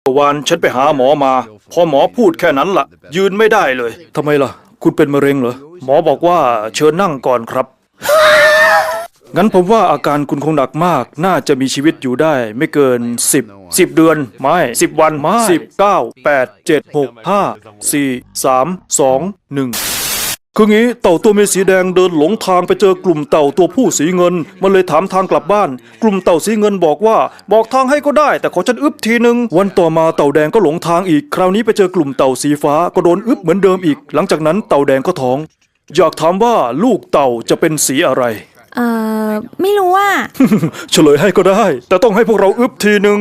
วันฉันไปหาหมอมาพอหมอพูดแค่นั้นล่ะยืนไม่ได้เลยทำไมล่ะคุณเป็นมะเร็งเหรอหมอบอกว่าเชิญนั่งก่อนครับงั้นผมว่าอาการคุณคงหนักมากน่าจะมีชีวิตอยู่ได้ไม่เกิน10เดือนไม่10วันไม่10 9 8 7 6 5 4 3 2 1คืองี้เต่าตัวเมียสีแดงเดินหลงทางไปเจอกลุ่มเต่าตัวผู้สีเงินมันเลยถามทางกลับบ้านกลุ่มเต่าสีเงินบอกว่าบอกทางให้ก็ได้แต่ขอฉันอึบทีนึงวันต่อมาเต่าแดงก็หลงทางอีกคราวนี้ไปเจอกลุ่มเต่าสีฟ้าก็โดนอึบเหมือนเดิมอีกหลังจากนั้นเต่าแดงก็ท้องอยากถามว่าลูกเต่าจะเป็นสีอะไรไม่รู้ว่าเฉลยให้ก็ได้แต่ต้องให้พวกเราอึบทีนึง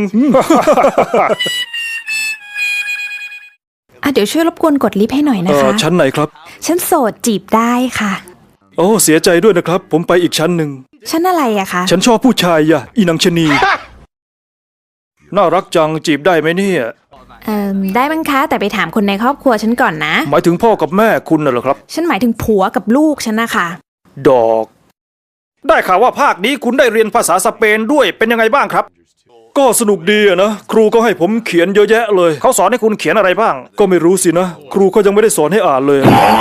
เดี๋ยวช่วยรบกวนกดลิฟต์ให้หน่อยนะคะชั้นไหนครับชั้นโสดจีบได้ค่ะโอ้เสียใจด้วยนะครับผมไปอีกชั้นหนึ่งชั้นอะไรอะคะฉันชอบผู้ชายอ่ะอีนางชนีน่ารักจังจีบได้ไหมเนี่ยได้มั้งคะแต่ไปถามคนในครอบครัวฉันก่อนนะหมายถึงพ่อกับแม่คุณน่ะเหรอครับฉันหมายถึงผัวกับลูกฉันนะคะดอกได้ข่าวว่าภาคนี้คุณได้เรียนภาษาสเปนด้วยเป็นยังไงบ้างครับก็สนุกดีอะนะครูก็ให้ผมเขียนเยอะแยะเลยเขาสอนให้คุณเขียนอะไรบ้างก็ไม่รู้สินะครูก็ยังไม่ได้สอนให้อ่านเลย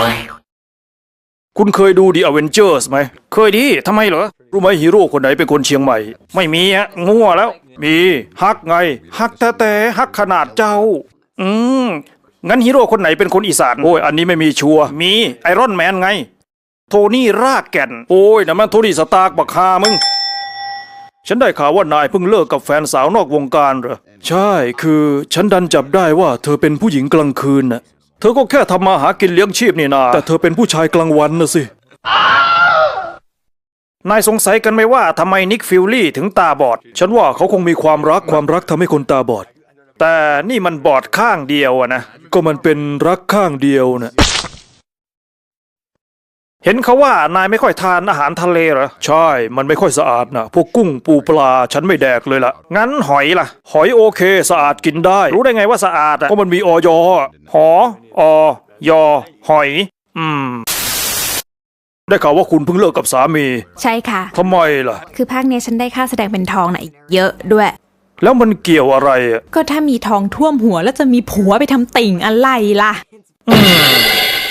คุณเคยดู The Avengers ไหมเคยดิทำไมเหรอรู้ไหมฮีโร่คนไหนเป็นคนเชียงใหม่ไม่มีฮะงัวแล้วมีฮักไงฮักแต่ฮักขนาดเจ้างั้นฮีโร่คนไหนเป็นคนอีสานโอ้ยอันนี้ไม่มีชัวร์มีไอรอนแมนไงโทนี่รากแก่นโอ้ยนั่นมันโทนี่สตาร์กบักฮามึงฉันได้ข่าวว่านายเพิ่งเลิกกับแฟนสาวนอกวงการเหรอใช่คือฉันดันจับได้ว่าเธอเป็นผู้หญิงกลางคืนน่ะเธอก็แค่ทำมาหากินเลี้ยงชีพนี่นาแต่เธอเป็นผู้ชายกลางวันน่ะสินายสงสัยกันไหมว่าทำไมนิกฟิลลี่ถึงตาบอดฉันว่าเขาคงมีความรักทำให้คนตาบอดแต่นี่มันบอดข้างเดียวอะนะก็มันเป็นรักข้างเดียวนะเห็นเขาว่านายไม่ค่อยทานอาหารทะเลเหรอใช่มันไม่ค่อยสะอาดนะพวกกุ้งปูปลาฉันไม่แดกเลยล่ะงั้นหอยล่ะหอยโอเคสะอาดกินได้รู้ได้ไงว่าสะอาดอ่ะเพราะมันมีอยหอยหอยได้ข่าวว่าคุณเพิ่งเลิกกับสามีใช่ค่ะทำไมล่ะคือภาคนี้ฉันได้ค่าแสดงเป็นทองน่ะเยอะด้วยแล้วมันเกี่ยวอะไรอ่ะก็ถ้ามีทองท่วมหัวแล้วจะมีผัวไปทำติ่งอะไรล่ะ